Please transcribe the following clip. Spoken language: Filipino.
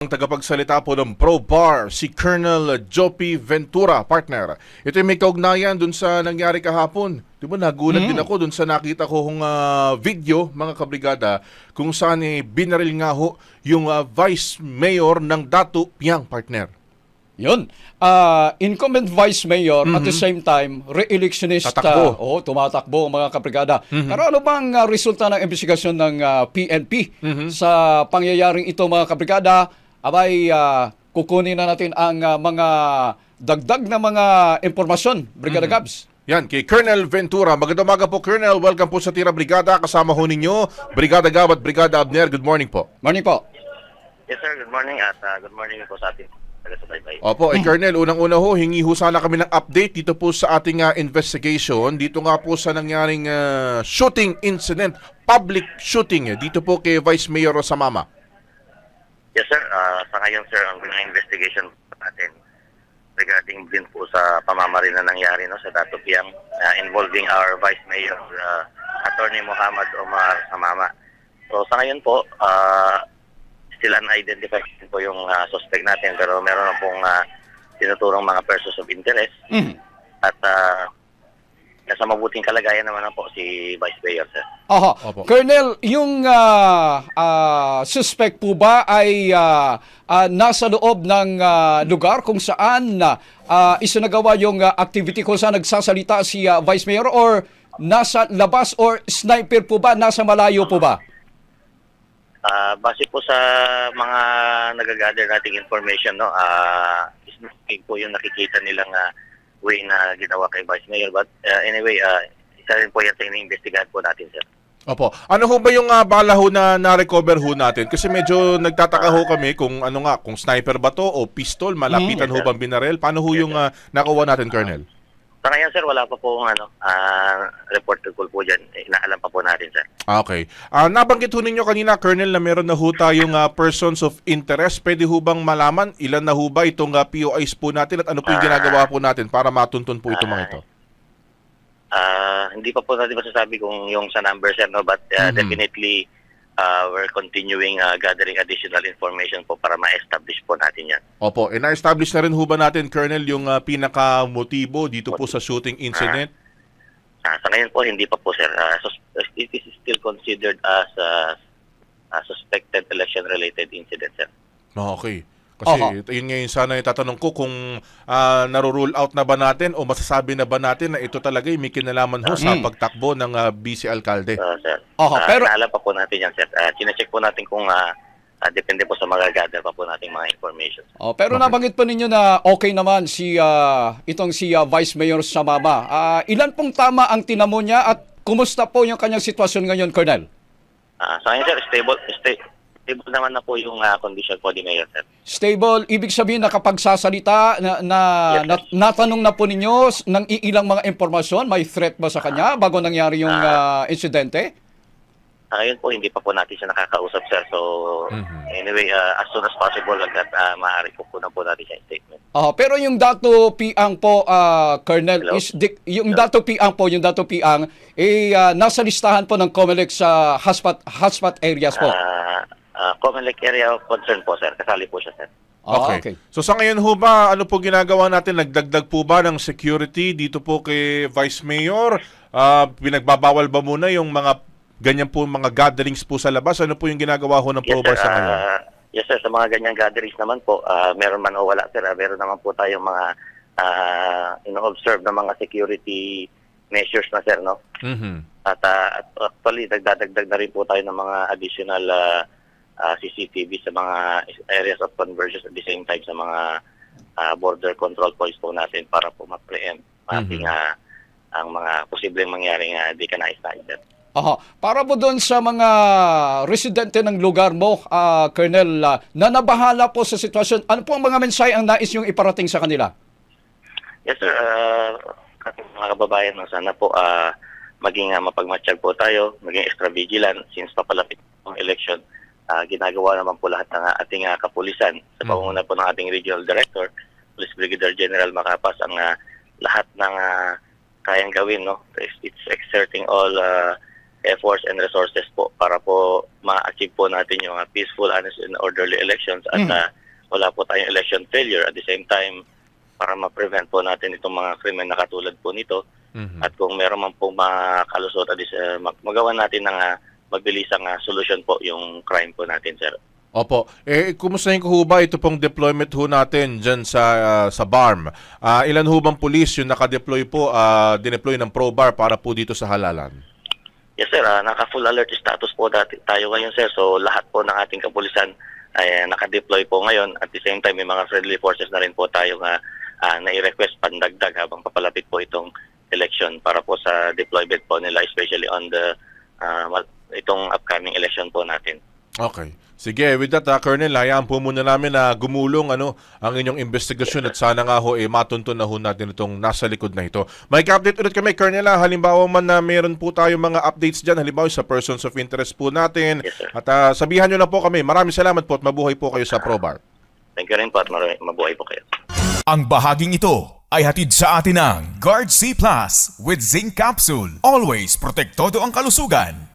tagapagsalita po ng ProBar, si Colonel Joppy Ventura, partner. Ito yung may kaugnayan dun sa nangyari kahapon. Di ba, nagulat din ako dun sa nakita ko hong video, mga kabrigada, kung saan binaril nga ho yung Vice Mayor ng Datu Piang, partner. Yun. Incumbent Vice Mayor at the same time, re-electionist. Tatakbo. Tumatakbo ang mga kabrigada. Pero ano bang resulta ng investigasyon ng PNP sa pangyayaring ito, mga kabrigada? Abay, kukunin na natin ang mga dagdag na mga impormasyon, Brigada Gabs. Yan, kay Colonel Ventura. Magandang umaga po, Colonel. Welcome po sa Tira Brigada. Kasama ho ninyo, Brigada Gab at Brigada Abner. Good morning po. Morning po. Yes sir, good morning at good morning po sa ating taga-subaybay. Opo, Colonel, unang-una ho, hingi ho sana kami ng update dito po sa ating investigation. Dito nga po sa nangyaring shooting incident, public shooting, dito po kay Vice Mayor Rosamama. Yes sir, sa ngayon sir, ang investigation natin regarding din po sa pamamaril na nangyari no, sa Datu Piang involving our Vice Mayor, Attorney Muhammad Omar Samama. So sa ngayon po, still unidentified po yung suspect natin pero meron na pong tinuturong mga persons of interest at nasa mabuting kalagayan naman na po si Vice Mayor, sir. Opo. Colonel, yung suspect po ba ay nasa loob ng lugar kung saan isinagawa yung activity kung saan nagsasalita si Vice Mayor or nasa labas or sniper po ba? Nasa malayo po ba? Base po sa mga nagagather nating information, no, smoking po yung nakikita nilang way na ginawa kay Vice Mayor. But anyway, isa rin po yan sa iniimbestigahan po natin, sir. Opo. Ano ho ba yung bala ho na na-recover ho natin? Kasi medyo nagtataka ho kami kung ano nga, kung sniper ba to o pistol, malapitan ho bang binarel? Paano ho yung nakuha natin, Colonel? Sa ngayon, sir, wala pa po report to call po dyan. Inaalam pa po natin, sir. Okay. Nabanggit ho ninyo kanina, Colonel, na meron na ho tayong persons of interest. Pwede ho bang malaman ilan na ho ba itong POIs po natin at ano po yung ginagawa po natin para matuntun po itong mga ito? Hindi pa po natin masasabi kung yung sa number, sir, no? But definitely, we're continuing gathering additional information po para ma-establish po natin yan. Opo. Na-establish na rin ho ba natin, Colonel, yung pinaka-motibo dito po sa shooting incident? Sa ngayon po, hindi pa po, sir. It is still considered as a suspected election-related incident, sir. Okay. Kasi yun ngayon sana yung tatanong ko kung naro-rule out na ba natin o masasabi na ba natin na ito talaga may kinalaman ho sa pagtakbo ng vice alkalde. Sir. Pero naalam pa po natin yan, sir. Chine-check po natin kung depende po sa mga gather pa po nating mga information. Pero nabanggit po ninyo na okay naman si itong si Vice Mayor Samama. Ilan pong tama ang tinamo niya at kumusta po yung kanyang sitwasyon ngayon, Colonel? Sa ngayon, sir, stable naman na po yung condition po ni Mayor, sir. Stable, ibig sabihin nakapagsasalita natanong na po ninyo ng ilang mga impormasyon, may threat ba sa kanya bago nangyari yung insidente? Ngayon po, hindi pa po natin siya nakakausap, sir. So, anyway, as soon as possible, maaari po na po natin siya statement. Pero yung Datu Piang po, Colonel, yung Datu Piang po, nasa listahan po ng COMELEC sa hotspot areas po. Comelec area of concern po, sir. Kasali po siya, sir. Okay. So sa ngayon ho ba, ano po ginagawa natin? Nagdagdag po ba ng security dito po kay Vice Mayor? Pinagbabawal ba muna yung mga ganyan po mga gatherings po sa labas? Ano po yung ginagawa ho ng ProBar sa ngayon? Yes, sir. Sa mga ganyang gatherings naman po, meron man o wala, sir. Meron naman po tayong mga ino-observe na mga security measures na, sir, no? At actually, nagdadagdag na rin po tayo ng mga additional CCTV sa mga areas of convergence at the same time sa mga border control points po natin para po ma-preempt ating ang mga posibleng mangyaring di ka nais-nais. Para po doon sa mga residente ng lugar mo, Colonel, na nabahala po sa sitwasyon, ano po ang mga mensahe ang nais yung iparating sa kanila? Yes, sir. Mga kababayan, sana po maging mapagmatsyag po tayo, maging extra vigilant since papalapit ang election. Ginagawa naman po lahat ng ating kapulisan sa pamumuno po ng ating Regional Director, Police Brigadier General Macapas, ang lahat ng kayang gawin, no? It's exerting all efforts and resources po para po ma-achieve po natin yung peaceful, honest and orderly elections at wala po tayong election failure. At the same time, para ma-prevent po natin itong mga krimen na katulad po nito. At kung meron man po makalusot, magawa natin ng magbilisang solusyon po yung crime po natin, sir. Opo. Kumustahin ko ho ba ito pong deployment ho natin dyan sa BARM? Ilan ho bang police yung nakadeploy po, dineploy ng ProBAR para po dito sa Halalan? Yes, sir. Naka-full alert status po tayo ngayon, sir. So, lahat po ng ating kapulisan ay naka-deploy po ngayon. At the same time, may mga friendly forces na rin po tayo na-request pandagdag habang papalapit po itong election para po sa deployment po nila, especially on the itong upcoming election po natin. Okay. Sige, with that, Colonel, hayaan po muna namin na gumulong ang inyong investigasyon at sana nga ho, matuntun na ho natin itong nasa likod na ito. May update ulit kami, Colonel, halimbawa man na meron po tayo mga updates dyan, halimbawa sa persons of interest po natin. Yes, sir. At sabihan nyo na po kami. Maraming salamat po at mabuhay po kayo sa ProBAR. Thank you rin po at mabuhay po kayo. Ang bahaging ito ay hatid sa atin ng Guard C Plus with Zinc Capsule. Always protektado ang kalusugan.